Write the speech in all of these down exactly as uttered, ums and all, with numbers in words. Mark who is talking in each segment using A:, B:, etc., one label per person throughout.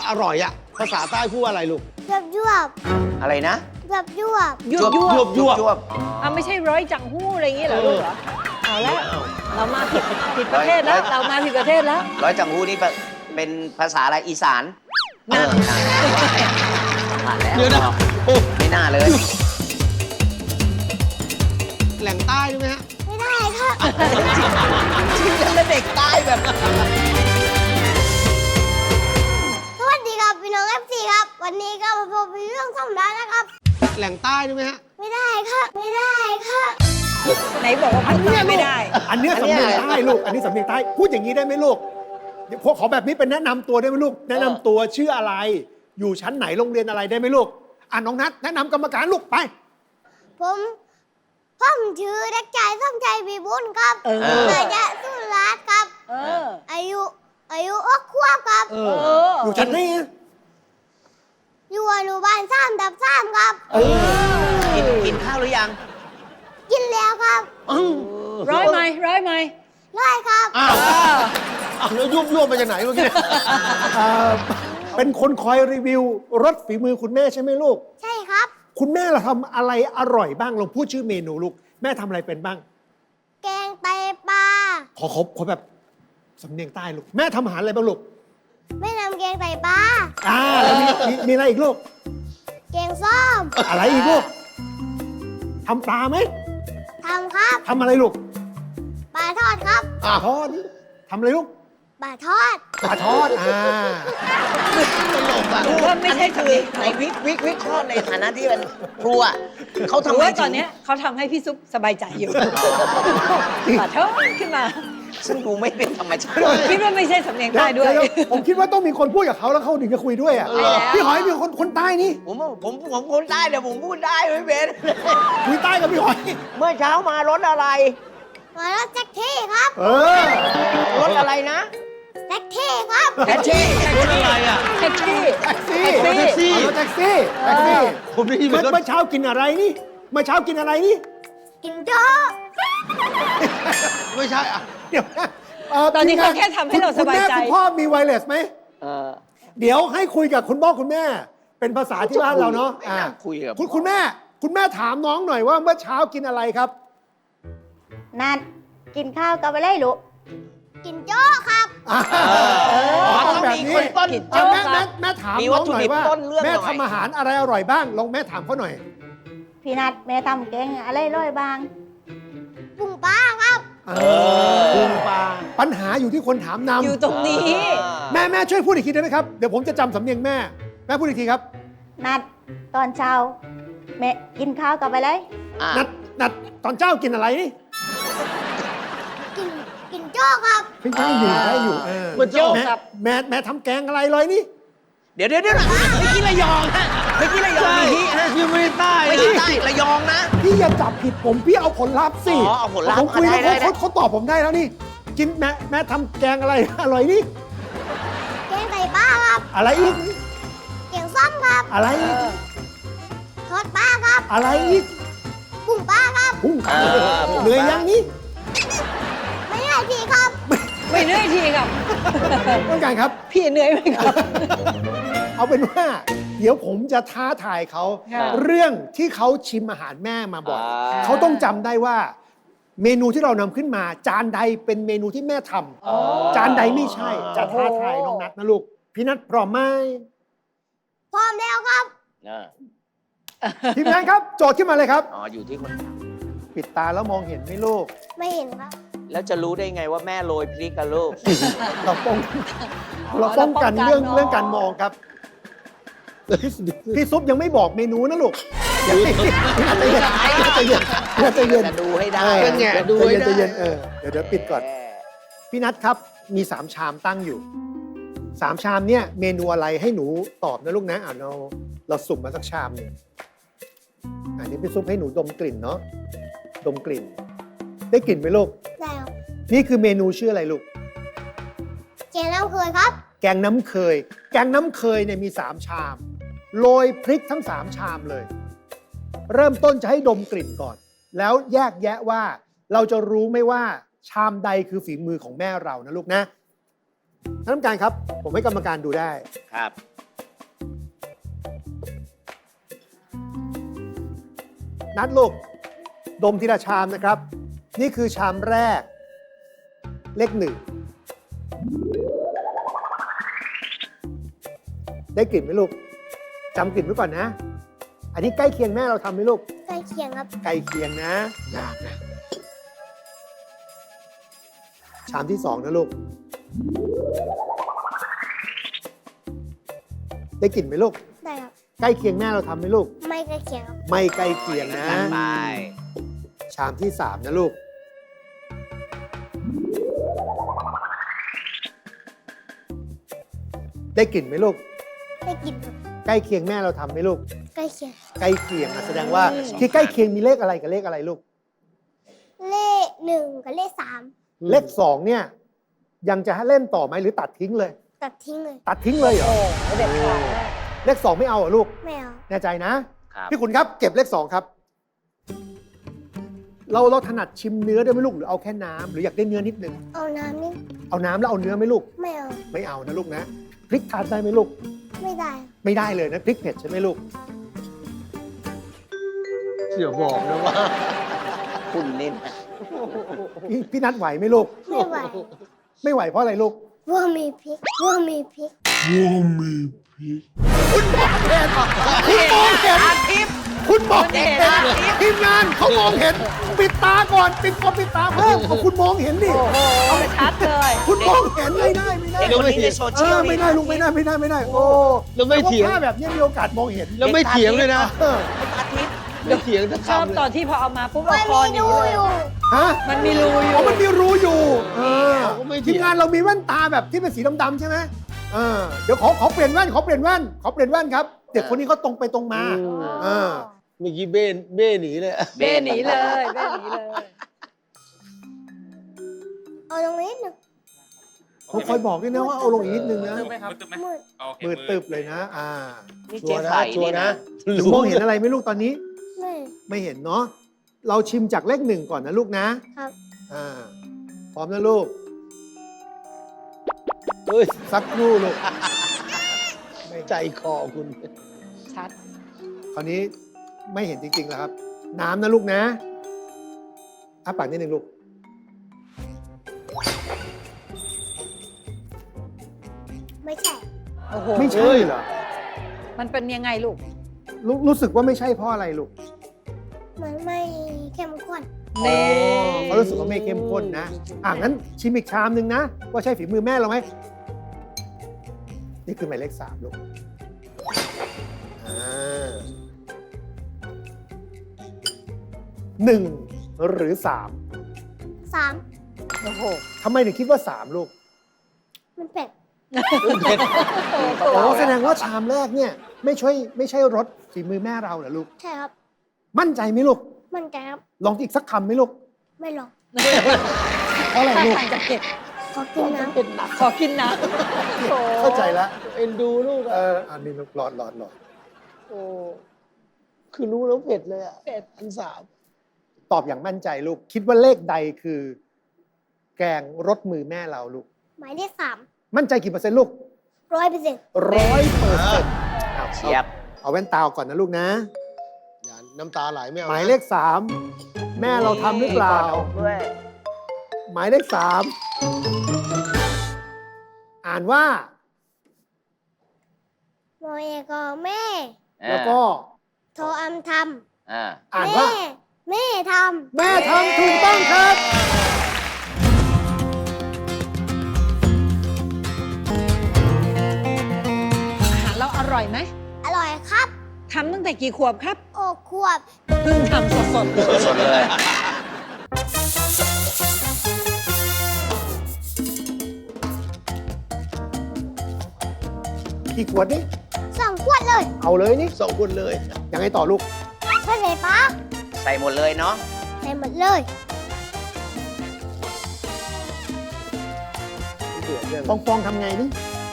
A: อร่อยอะภาษาใต้พูดว่าอะไรลูก
B: ยวบยวบ
C: อะไรนะ
B: ยวบยวบ
D: ยวบยวบ
A: ยวบ
C: ยวบ
D: อ่ะไม่ใช่ร้อยจังหู้อะไรอย่างงี้เหรอลูกเหรอเอาละเรามาผิดผิดประเทศแล้วเรามาผิดประเทศแล้ว
C: ร้อยจังหูนี่เป็นภาษาอะไรอีสาน
D: นั่น
C: เออผ่านแล้ว
A: เดี๋ยวนะโอ้
C: ไม่น่าเลย
A: แหล่งใต้ใช่ไหมฮะ
B: ไม่ได้ครับ
C: ชื่อแล้วเด็กใต้แบบ
B: สวัสดีครับพี่น้องเอฟซีครับ วันนี้ก็มาพบกับเรื่องสำราญนะครับ
A: แหล่งใต้ใช่ไหมฮะ
B: ไม่ได้ครับ ไม่ได้ครับ
D: ไหนบอกว่าภาคใต้ไม่ได้
E: อันเนี้ยสำเนียงใต้ลูก อันนี้สำเนียงใต้ พูดอย่างนี้ได้ไหมลูกเดี๋ยวพวกขอแบบนี้เป็นแนะนำตัวได้ไหมลูก แนะนำตัวชื่ออะไร อยู่ชั้นไหนโรงเรียนอะไรได้ไหมลูก อ่ะน้องนัทแนะนำกรรมการลูกไป
B: ผมผมชื่อเด็กชายสมใจวีบุญครับ
D: เออ
B: มาจากสุราษฎร์ครับ
D: เออ
B: อายุอายุอกขวบครับ
D: เออ
E: อยู่ชั้นไหนอะ
B: อยู่อนุบาลสามดับสามครับ
C: กินกินข้าวหรือยัง
B: กินแล้วครับ
D: ร้อยไหมร้อยไหม
B: ร้อยครับ
A: อ้าวอ้าวแล้วยุบยวบมาจากไหนเมื่อกี้
E: เอ่อเป็นคนคอยรีวิวรสฝีมือคุณแม่ใช่ไหมลูก
B: ใช่ครับ
E: คุณแม่เราทำอะไรอร่อยบ้างลองพูดชื่อเมนูลูก แม่ทำอะไรเป็นบ้าง
B: แกงไตปลา
E: ขอขอขอแบบสำเนียงใต้ลูก แม่ทำอาหารอะไรบ้างลูก
B: ไม่นำแกงไตปลา
E: อ่าแล้วมีมีมีอะไรอีกลูก
B: แกงส้ม
E: อะไรอีกลูกทำปลาไหม
B: ทำครับ
E: ทำอะไรลูก
B: ปลาทอดครับ
E: ปลาทอดทำอะไรลูก
B: ปลาทอด
E: ปลาทอด อ่า
D: หรือว่าไม่ใช่
C: อัน
D: สำ
C: นี้
D: เนียง
C: คือในวิกวิกวิเคราะห์ในฐานะที่เป็นครัวเขา
D: หรื
C: ทำ
D: อ
C: ไม
D: ว่าต
C: ถึ
D: อน
C: ง
D: เนี้ยเขาทำให้พี่ซุปสบายใจอยู่ขอโทษขึ้นมา
C: ซึ่งดูไม่เป็นธรรมชาติ
D: คิดว่าไม่ใช่สำเนียงใต้ด้วย
E: เๆผมคิดว่าต้องมีคนพูดกับเขาแล้วเขาถึงจะคุยด้วยอ่ะ
D: ใช่แล้ว
E: พี่หอยมีคนคนใต้นี่
C: ผมผมผมคนใต้เดี๋ยวผมพูดได้ไม่เป็น
E: คุยใต้กับพี่หอย
C: เมื่อเช้ามารถอะไร
B: มารถแท็กซี่ครับ
E: เออ
C: รถอะไรนะ
B: แท็กซี่ครับ
C: แท็กซี่
A: รถอะไรอ่ะ
D: แท็กซี่
E: แท็กซี่
D: แท็กซี่
E: เอารถแท็กซี่แท็กซี่
A: ผมได้ยินเหมื
E: เมื่
A: อนกัน
E: อเมื่อเช้ากินอะไรนี่เมื่อเช้ากินอะไรนี่
B: กินโจ๊ก
A: ไม่ใช่อ่ะ
E: เดี๋ยวนะเ
D: ตอนนี้เขาแค่ทำให้เราสบายใจ
E: คุณแม่คุณพ่อมีไวเลสไหม
C: เออ
E: เดี๋ยวให้คุยกับคุณพ่อคุณแม่ เป็นภาษาที่บ้านเราเนาะ
C: ไม่น่าคุยกับ
E: คุณคุณแม่ คุณแม่ถามน้องหน่อยว่าเมื่อเช้ากินอะไรครับ
F: นัดกินข้าวกับอะไรลูก
B: กินโจ๊กครับ
E: อ่า
C: มัน
E: ต้
C: ต้
E: อ
C: อง ง
E: แบบ
C: มี
E: นี้
C: คนต้น
E: อ่ะแม่แม่แม่ถาม
C: มี
E: น้
C: วั
E: อ
C: ต
E: ง
C: ถุ
E: หน่อ
C: ดิ
E: ย
C: บ
E: ว่า
C: ต้นเรื่อง
E: แม่
C: หน่อย
E: ทำอาหารอะไรอร่อยบ้างลองแม่ถามเขาหน่อย
F: พี่นัดแม่ทำแกงอะไรร้อยบาง
B: ปุ้งปลาครับ
E: เออ
A: พุงปลา
E: ปัญหาอยู่ที่คนถามนำ
D: อยู่ตรงนี้
E: แม่แม่ช่วยพูดอีกทีได้ไหมครับ เดี๋ยวผมจะจำสำเนียงแม่ แม่พูดอีกทีครับ
F: นัดตอนเช้าแม่กินข้าวกับอะไร
C: อ่ะ
E: นัดนัดตอนเจ้ากินอะไรนี่
B: กินกินโจ๊กครับ
E: พี่ได้อยู่ได้อยู่เออ
A: มันโจ๊ก
E: แม่
D: ครับ
E: แม่แม่ทำแกงอะไรเลยนี่
C: เดี๋ยวเดี๋ยวเดี๋ยวไม่กินระยองฮะไม่กินระยองมีฮิฮะ
A: ยังไม่ได้ใต้
C: ไม่
A: นะ
C: ใช่ใต้ระยองนะ
E: พี่อย่าจับผิดผมพี่เอาผลลัพธ์สิ
C: อ๋อเอาผลลัพธ์
E: ผมคุยแล้ว
C: ได้ได้
E: เขาเขาตอบผมได้แล้วนี่ กินแม่แม่ทำแกงอะไร อร่อยนี่
B: แกงไตปลาครับ
E: อะไรอีก
B: แกงส้มครับ
E: อะไรอีก
B: ทอดปลาครับ
E: อะไรอีก
B: ปุ้งปลาครับ
E: พุ่ง
C: เออ
E: เหนื่อยยังนี่
B: ไม่ได้ทีครับ
D: ไม่เหนื่อยทีครับ
E: ต้องการครับ
D: พี่เหนื่อยไหมครับ
E: เอาเป็นว่า เดี๋ยวผมจะท้าทายเขา
D: ค่ะ
E: เรื่องที่เขาชิมอาหารแม่มาบ่อย
C: อ่า
E: เขาต้องจำได้ว่า เมนูที่เรานำขึ้นมา จานใดเป็นเมนูที่แม่ทำจานใดไม่ใช่ จะท้าทายน้องนัทนะลูก พี่นัทพร้อมไหม
B: พร้อมแล้วครับ
C: เออ
E: ทีมงานครับ โจทย์ขึ้นมาเลยครับ
C: อ๋ออยู่ที่คน
E: ปิดตาแล้วมองเห็นไหมลูก
B: ไม่เห็นครับ
C: แล้วจะรู้ได้ไงว่าแม่โรยพริกกับลูก
E: เราป้อง
D: อ๋อ
E: เราป้องกัน
D: เราป้องกัน
E: เรื่อง
D: เนอะ
E: เรื่องการมองครับ พี่พี่ซุปยังไม่บอกเมนูนะลูกอย่าใจเย็นอย่าใจเย็นอย่าใจเย็น
C: จะดูให้ได้
E: เออ
A: เป็นไงดู
E: ใจ
A: ให้
E: เย็น
A: ได้
E: ใจเย็นเออเดี๋ยวเดี๋ยวปิดก่อน พี่นัทครับ มีสามชามตั้งอยู่สามชามเนี่ยเมนูอะไรให้หนูตอบนะลูกนะอ่าเราเราสุ่มมาสักชามหนึ่งอันนี้พี่ซุปให้หนูดมกลิ่นเนาะดมกลิ่น ได้กลิ่นไหมลูก
B: ได้ครับ
E: นี่คือเมนูชื่ออะไรลูก
B: แกงน้ำเคยครับ
E: แกงน้ำเคย แกงน้ำเคยเนี่ยมีสามชามโรยพริกทั้งสามชามเลย เริ่มต้นจะให้ดมกลิ่นก่อน แล้วแยกแยะว่าเราจะรู้ไหมว่าชามใดคือฝีมือของแม่เรานะลูกนะท่านกรรมการครับ ผมให้กรรมการดูได้
C: ครับ
E: นัดลูก ดมทีละชามนะครับ นี่คือชามแรก เลขหนึ่ง ได้กลิ่นไหมลูกจำกลิ่นไว้ก่อนนะ อันนี้ใกล้เคียงแม่เราทำไหมลูก
B: ใกล้เคียงครับ
E: ใกล้เคียงนะ
A: ยากนะ
E: ชามที่สองนะลูก ได้กลิ่นไหมลูก
B: ได้ครับ
E: ใกล้เคียงแม่เราทำไหมลูก
B: ไม่ใกล้เคียงครับ
E: ไม่ใกล้เคียงนะ
C: ไป
E: ชามที่สามนะลูก ได้กลิ่นไหมลูก
B: ได้กินครับ
E: ใกล้เคียงแม่เราทำไหมลูก
B: ใกล้เคียง
E: ใกล้เคียงนะแสดงว่าที่ใกล้เคียงมีเลขอะไรกับเลขอะไรลูก
B: เลขหนึ่งกับเลขสาม
E: เลขสองเนี่ย ยังจะให้เล่นต่อไหมหรือตัดทิ้งเลย
B: ตัดทิ้งเลย
E: ตัดทิ้งเลยเหรอ
D: โอ้เด็ดขาดมาก
E: เลขสองไม่เอาเหรอลูก
B: ไม่เอา
E: แน่ใจนะ
C: ครับ
E: พี่ขุนครับเก็บเลขสองครับ เราเราถนัดชิมเนื้อด้วยไหมลูกหรือเอาแค่น้ำหรืออยากได้เนื้อนิดนึง
B: เอาน้ำนี่
E: เอาน้ำแล้วเอาเนื้อไหมลูก
B: ไม่เอา
E: ไม่เอานะลูกนะพริกทานได้ไหมลูก
B: ไม่ได้
E: ไม่ได้เลยนะพริกเผ็ดใช่ไหมลูก
A: เดี๋ยวบอกนะว่า
C: คุณเล่นนะ
E: พี่พี่นัดไหวไหมลูก
B: ไม่ไหว
E: ไม่ไหวเพราะอะไรลูก
B: ว่ามีพริกว่ามีพริก
E: คุณมองเห็นคุณมองเห็นทีมงานเขามองเห็น ปิดตาก่อนปิดคอมปิดตาเพิ่มเอาคุณมองเห็นดิ
D: โอ้โหชัดเลย
E: คุณมองเห็นไม่ได้ไม่ได้
C: เด็กคนนี้ในโซ
E: เอ
C: เชียล
E: อไม่ได้ลูกไม่ได้ไม่ได้ไม่ได้ โอ้
A: แล้วไม่เถียง
E: พวกภาพแบบนี้มีโอกาสมองเห็น
A: แล้วไม่เถียงเลยนะ
E: เออ
C: อาทิตย์
A: ไม่เถียงสัก
D: ชอบ
A: คำเล
D: ตอน
A: ย
D: ที่พอเอามาปุ๊บ
B: มั
D: เอา
B: น
D: คอ
B: มี
D: หนี
B: รู
D: เลย
B: อยู่
E: ฮะ
D: มันมีรูอยู่
E: อ๋อมันมีรูอยู่เออ
A: เขาไม่เถี
E: ที
A: ยง
E: มงานเรามีแว่นตาแบบที่เป็นสีดำๆใช่ไหมเออเดี๋ยวขอขอเปลี่ยนแว่นขอเปลี่ยนแว่นขอเปลี่ยนแว่นครับเด็กคนนี้เขาตรงไปตรงมาเออ
A: เมื่อกี้เบ้เบ้หนีเลย
D: เบ้หนีเลยเบ้หนีเลย
B: เอาตรงนี้หนึ่ง
E: เขาคอยบอกด้วยนะว่าเอาลงอีกนิดนึงนะ
B: มืด
E: มืดตึบเลยนะ อ่า
C: นี่
A: ชั
C: เจ๊
A: วร์นะ
C: ไข่
A: ชัว
C: นี่
A: ร์
C: นะ
A: นะ
E: หนูมองเห็นอะไรไหมลูกตอนนี้
B: ไม่
E: ไม่เห็นเนาะเราชิมจากเลขหนึ่งก่อนนะลูกนะครับ อ่าพร้อมนะลูก
A: เฮ้ย
E: สักครู่ลูก
A: ใจคอคุณ
D: ชัด
E: คราวนี้ไม่เห็นจริงๆแล้วครับ น้ำนะลูกนะอ้าปากนิดนึงลูก
B: ไม่ใช่
D: โอ้โห
E: ไม่ใช่เหรอ
D: มันเป็นยังไงลูก
E: รู้รู้สึกว่าไม่ใช่เพราะอะไรลูก
B: มันไม่เข้มข้น
D: นี่
E: เขารู้สึกว่าไม่เข้มข้นนะ อ่ะงั้นชิมอีกชามหนึ่งนะ ว่าใช่ฝีมือแม่เราไหม นี่คือหมายเลขสามลูกอ่าหนึ่งหรือสาม
B: สาม
D: โอ้โห
E: ทำไมถึงคิดว่าสามลูก
B: มันเป็ด
E: โอ้แสดงว่าชามแรกเนี่ย ไม่ใช่ไม่ใช่รสฝีมือแม่เราเหรอลูก
B: ใช่ครับ
E: มั่นใจไหมลูก
B: มันใจครับ
E: ลองอีกสักคำไหมลูก
B: ไม่หรอก
E: เพราะอะไรลูก
D: ทางจะเก็บ
B: ขอกินน้ำ
A: เป็นหนัก
D: ขอกินน้ำโอ้
E: เข้าใจแล้ว
A: เอ็นดูลูก
E: เอ
A: อะ
E: ออันนี้ลูกหลอดหลอดหลอด
A: โอ้คือรู้แล้วเผ็ดเลยอะ
D: เป็ด
A: อันสาม
E: ตอบอย่างมั่นใจลูก คิดว่าเลขใดคือ แกงรสมือแม่เราลูก
B: หมายเลขสาม
E: มั่นใจกี่เปอร์เซ็นต์ลูก
B: ร้อยเปอร์เซ็นต์
E: ร้อยเปอร์เซ็นต์
C: เชียบ
E: เอาแว่นตาออกก่อนนะลูกนะ
A: อย่าน้ำตาไหลไม่เอา
E: หมายเลขสามแม่เราทำหรือเปล่า
C: ด้วย
E: หมายเลขสามอ่านว่า
B: โมเอกอแม่
E: แล้วก็
B: โทรอัมท
C: อ่า
B: ำ
E: อ่าน
B: แม่
E: ว่า
B: แม่ท
E: แม่ทำถูกต้องครับ
D: อาหารเราอร่อยไหม
B: ำอร่อยครับ
D: ทำตั้งแต่กี่ขวบครับ
B: โอ้ขวบ
D: เพิ่งทำสดๆเลย
C: สดๆเลย
E: กี่ขวดนี่
B: สองขวดเลย
E: เอาเลยนี่
A: สองคนเลย
E: ยังไงต่อลูก
B: ใช่ไหมปะ
C: ใส่หมดเลยเนาะ
B: ใส่หมดเลย
E: ปองปองทำไงนี่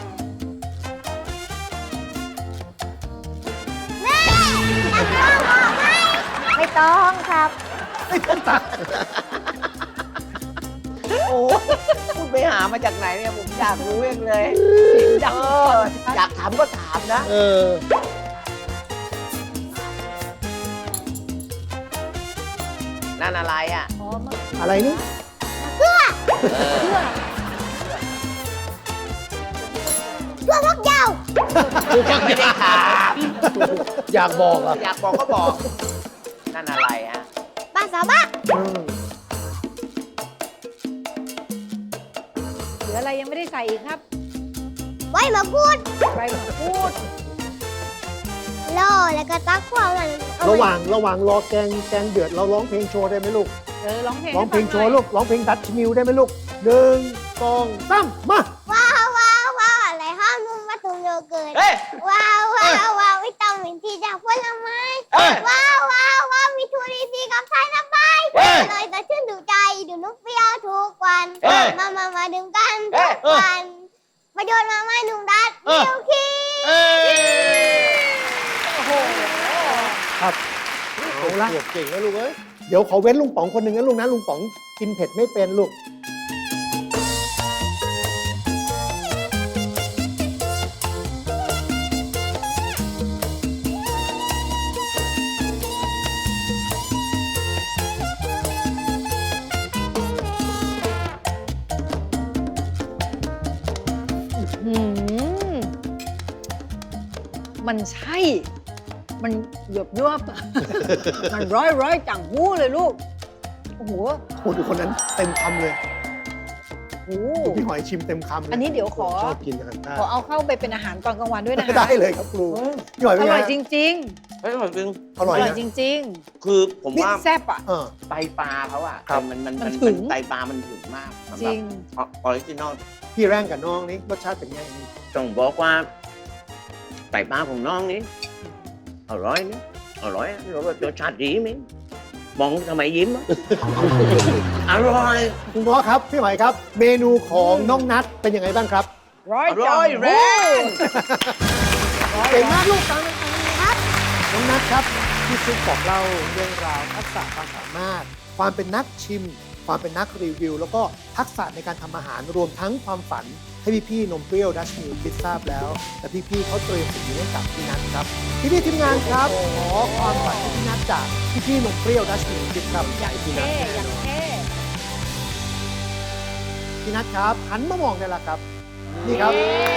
B: แม่ตักน้องออกไหม
F: ไม่ต้องครับ
E: ไม่ต้องตัก
C: โอ้คุณไปหามาจากไหนเนี่ยผมอยากรู้เองเลย
D: เสียงดัง
C: เอออยากถามก็ถามนะ
A: เออ
C: นั่นอะไรอ่ะ
D: อ๋อมัน
E: อะไรนี่
C: เออ
D: เพื่อ
B: เพื่อพวกเจ้า
C: ยังไม่ได้ถาม
A: อยากบอกอ่ะ
C: อยากบอกก็บอก นั่นอะไรฮะ
B: ปลาสามะ
E: อืม
D: เหลืออะไรยังไม่ได้ใส่อีกครับ
B: ไว้มาพูด
D: ใบมะกรูด
B: ล่อแล้วก็ตักขวางมันเอ
E: ระห
B: ไ
E: ว่างระหว่างรอแกงแกงเดือดเราร้องเพลงโชว์ได้ไหมลูก
D: เออร้องเพลง
E: ร้องเพลง
D: ให้
E: โช
D: ฟั
E: ว์
D: หน่ย
E: ลูกร้องเพลงดัชมิวได้ไหมลูกหนึ่งสองสามมา
B: ว้าวว้าวว้าวอะไรห้ามนุ่มมาตุงโยเกิร์ต
C: เฮ้ย
B: ว้าวว้าวว้าววิตามินที่จากผลไม้
C: เฮ้ย
B: ว้าวว้าวว้าวมีทูรีซีกับไทยน้ำใบ
C: เฮ้ย
B: เลยแต่ชื่นดูใจดูนุกเปรี้ยวทุกวัน
C: เฮ้ย
B: มามามาดื่มกัน
C: เฮ้
B: ทุ
C: ย
B: กวันประโยชน์มาไม่หนุ่มดัด
C: เออ
B: เดียวคี
C: เอ้ย
E: ครับเอาละ
A: ขวบเก่งนะลูกเอ้ย
E: เดี๋ยวขอเว้นลุงป๋องคนหนึ่งนะลูกนะลุงป๋องกินเผ็ดไม่เป็นลูก
D: หืมมันใช่ มันหยบยวบ มันร้อยร้อยจังหู้เลยลูก โอ้โห
E: โอ้ดูคนนั้นเต็มคำเลย
D: โอ้โห
E: ดูพี่หอยชิมเต็มคำเลย
D: อันนี้เดี๋ยวขอ
A: ชอบกินอาหารใต้
D: ขอเอาเข้าไปเป็นอาหารตอนกลางวันด้วยนะคะ
E: ได้เลยครับครูพี่หอย
D: อ
E: เป็นไง
D: ร่อยจริง
C: เฮ้ยอร่อยจริง
E: อ
D: ๆ
E: ร่
D: อ
E: อย
D: ร่อย
E: นะ
D: จริง
C: คือผม
D: ๆนี่
C: ว่า
D: แซ่บอ่ะ
E: เออ
C: ไตปลาเขาอ่ะ
E: ครับ
C: มันมัน
D: มั
C: มัน
D: นถึง
C: ไตปลามันถึงมากสำห
D: จ
C: รั
D: ริ
C: บ
D: ง
C: ออริจินอล
E: พี่แร่งกับน้องนี่รสชาติเป็นไง
C: ต้องบอกว่าไตปลาของน้องนี้อร่อยนะอร่อยรสชาติดีมั้ยมองทำไมยิ้มอะ อร่อย
E: คุณพ่อครับพี่หอยครับ เมนูของน้องนัทเป็นยังไงบ้างครับ
D: ร้อย
C: อ
D: จั
C: ร่
D: ง
C: อยแร
D: หู้
C: ง
E: เก่งมากลูกตามนะครับน้องนัทครับพี่ซุปบอกเล่าเรื่องราวทักษะความสามารถ ความเป็นนักชิม ความเป็นนักรีวิว แล้วก็ทักษะในการทำอาหารรวมทั้งความฝัน ให้พี่ๆนมเปรี้ยวดัชมิลคิดทราบแล้ว แต่พี่ๆเขาเตรียมสิ่งนี้ให้กับพี่นัทครับพี่ๆทีมงานครับขอความฝันให้พี่นัทจากพี่ๆนมเปรี้ยวดัชมิลคิดครับใหญ่พี่นั
D: เท่
E: ท
D: อย่างเท่
E: พี่นัทครับหันมามองได้แล้วครับ นี่ครับ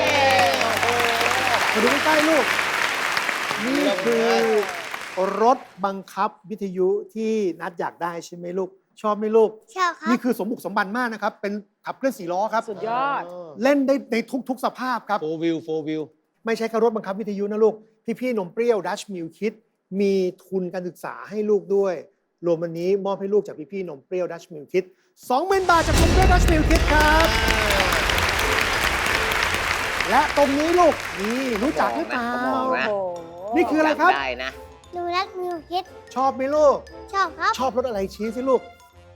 E: มาดูใกล้ๆลูก นี่คือรถบังคับวิทยุที่นัดอยากได้ใช่ไหมลูก ชอบไหมลูก
B: ใช่ครับ
E: นี่คือสมบุกสมบันมากนะครับ เป็นขับเคลื่อนสี่ล้อครับ
D: สุดยอด
E: เล่นได้ในทุกๆสภาพครับ
A: โฟวิวโฟวิว
E: ไม่ใช่แค่รถบังคับวิทยุนะลูก พี่ๆนมเปรี้ยวดัชมิลคิดมีทุนการศึกษาให้ลูกด้วย รวมวันนี้มอบให้ลูกจากพี่ๆนมเปรี้ยวดัชมิลคิดสองหมื่นบาทจากนมเปรี้ยวดัชมิลคิดครับ และตรงนี้ลูกนี่รู้จักหรือเปล่า
C: เขาบอกนะ
D: โอ้โห
E: นี่คืออะไรครับ
C: ได้นะ
B: หนูรักมิวคิด
E: ชอบไหมลูก
B: ชอบครับ
E: ชอบรถอะไรชี้สิลูก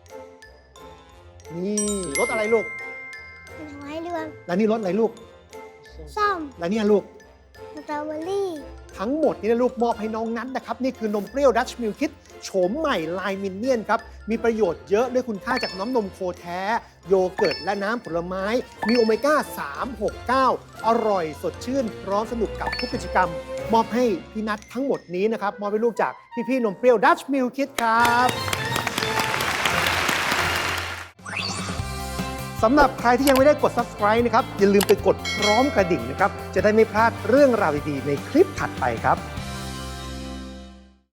E: นี่รถอะไรลูก
B: เป็นไม้เรือง
E: แล้วนี่รถอะไรลูก
B: ส้ม
E: แล้วเนี่ยลูก
B: สตรอเบอรี่
E: ทั้งหมดนี้นะลูกมอบให้น้องนัทนะครับ นี่คือนมเปรี้ยวดัชมิลคิดโฉมใหม่ลายมินเนี่ยนครับ มีประโยชน์เยอะด้วยคุณค่าจากน้ำนมโคแท้ โยเกิร์ตและน้ำผลไม้ มีโอเมก้า สาม หก เก้า อร่อยสดชื่น พร้อมสนุกกับทุกกิจกรรม มอบให้พี่นัททั้งหมดนี้นะครับ มอบให้ลูกจากพี่ๆนมเปรี้ยวดัชมิลคิดครับ สำหรับใครที่ยังไม่ได้กด Subscribe นะครับ อย่าลืมไปกดพร้อมกระดิ่งนะครับ จะได้ไม่พลาดเรื่องราวดีๆในคลิปถัดไปครับ